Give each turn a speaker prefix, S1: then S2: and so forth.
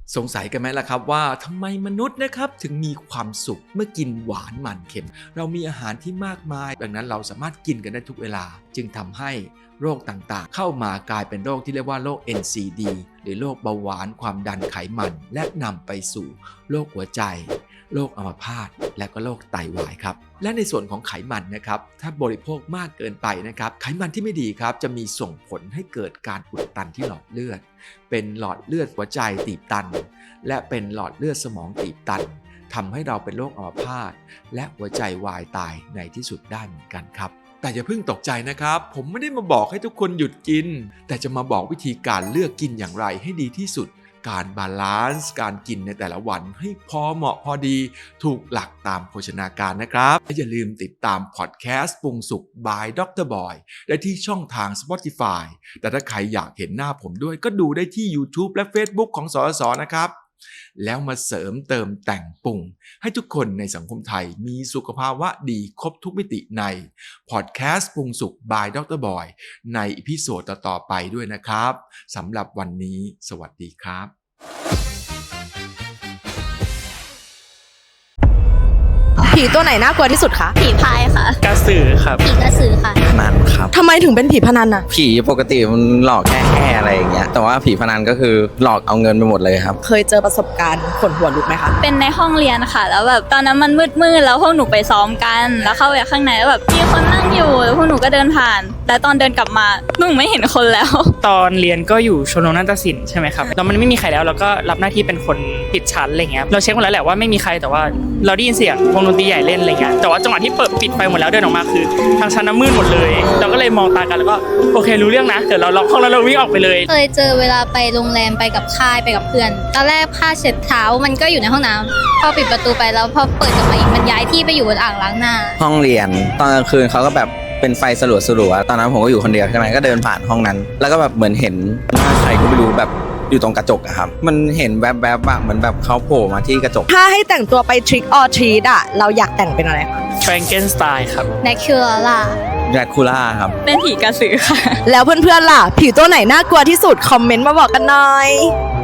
S1: สงสัยกันไหมล่ะครับว่าทำไมมนุษย์นะครับถึงมีความสุขเมื่อกินหวานมันเค็มเรามีอาหารที่มากมายดังนั้นเราสามารถกินกันได้ทุกเวลาจึงทำให้โรคต่างๆเข้ามากลายเป็นโรคที่เรียกว่าโรค NCD หรือโรคเบาหวานความดันไขมันและนำไปสู่โรคหัวใจโรคอัมพาตและก็โรคไตวายครับและในส่วนของไขมันนะครับถ้าบริโภคมากเกินไปนะครับไขมันที่ไม่ดีครับจะมีส่งผลให้เกิดการอุดตันที่หลอดเลือดเป็นหลอดเลือดหัวใจตีบตันและเป็นหลอดเลือดสมองตีบตันทำให้เราเป็นโรคอัมพาตและหัวใจวายตายในที่สุดได้เหมือนกันครับแต่อย่าเพิ่งตกใจนะครับผมไม่ได้มาบอกให้ทุกคนหยุดกินแต่จะมาบอกวิธีการเลือกกินอย่างไรให้ดีที่สุดการบาลานซ์การกินในแต่ละวันให้พอเหมาะพอดีถูกหลักตามโภชนาการนะครับและอย่าลืมติดตามพอดแคสต์ปรุงสุข by Dr. Boy ได้ที่ช่องทาง Spotify แต่ถ้าใครอยากเห็นหน้าผมด้วยก็ดูได้ที่ YouTube และ Facebook ของสสนะครับแล้วมาเสริมเติมแต่งปรุงให้ทุกคนในสังคมไทยมีสุขภาวะดีครบทุกมิติในพอดแคสต์ปรุงสุข by Dr. Boy ในอีพิโซดต่อๆไปด้วยนะครับสำหรับวันนี้สวัสดีครับ
S2: ผีตัวไหนน่ากลัวที่สุดคะ
S3: ผีพายค่ะ
S4: กระสือครับ
S3: ผีกระสือค่ะ
S5: พนันครับ
S2: ทำไมถึงเป็นผีพนันน่ะ
S5: ผีปกติมันหลอกแค่อะไรอย่างเงี้ยแต่ว่าผีพนันก็คือหลอกเอาเงินไปหมดเลยครับ
S2: เคยเจอประสบการณ์ขนหัวลุกไหมคะ
S3: เป็นในห้องเรียนค่ะแล้วแบบตอนนั้นมันมืดแล้วพวกหนูไปซ้อมกันแล้วเข้าไปข้างในแล้วแบบมีคนนั่งอยู่แล้วพวกหนูก็เดินผ่านแต่ตอนเดินกลับมาหนูไม่เห็นคนแล้ว
S4: ตอนเรียนก็อยู่ชมรมนาฏศิลป์ใช่ไหมครับแล้วมันไม่มีใครแล้วเราก็รับหน้าที่เป็นคนปิดชั้นอะไรเงี้ยเราเช็คหมดแล้วแหละว่าไม่มีใครแต่ว่าเราได้ยินเสียงวงดนตรีใหญ่เล่นอะไรเงี้ยแต่ว่าจังหวะที่เปิดปิดไฟหมดแล้วเดินออกมาคือทางชั้นน้ำมืดหมดเลยเราก็เลยมองตากันแล้วก็โอเครู้เรื่องนะเดี๋ยวเราล็อกห้องแล้วเราวิ่งออกไปเลย
S3: เคยเจอเวลาไปโรงแรมไปกับค่ายไปกับเพื่อนตอนแรกผ้าเช็ดเท้ามันก็อยู่ในห้องน้ำพอปิดประตูไปแล้วพอเปิดกลับมาอีกมันย้ายที่ไปอยู่บนอ่างล้างหน้า
S5: ห้องเรียนตอนกลางคืนเขาก็แบบเป็นไฟสลัวๆตอนนั้นผมก็อยู่คนเดียวใช่ไหมก็เดินผ่านห้องนั้นแล้วก็แบบเหมือนเห็นหน้าใครก็ไม่รู้แบบอยู่ตรงกระจกอะครับมันเห็นแวบๆอะเหมือนแบบเขาโผล่มาที่กระจก
S2: ถ้าให้แต่งตัวไป trick or treat อะเราอยากแต่งเป็นอะไรคะ
S4: แฟรงเกนสไตน์ครับ
S3: แนคิวล่า
S5: แดรคูล่าครับ
S3: เป็นผีกระสือค่ะ
S2: แล้วเพื่อนๆล่ะผีตัวไหนน่ากลัวที่สุดคอมเมนต์มาบอกกันหน่อย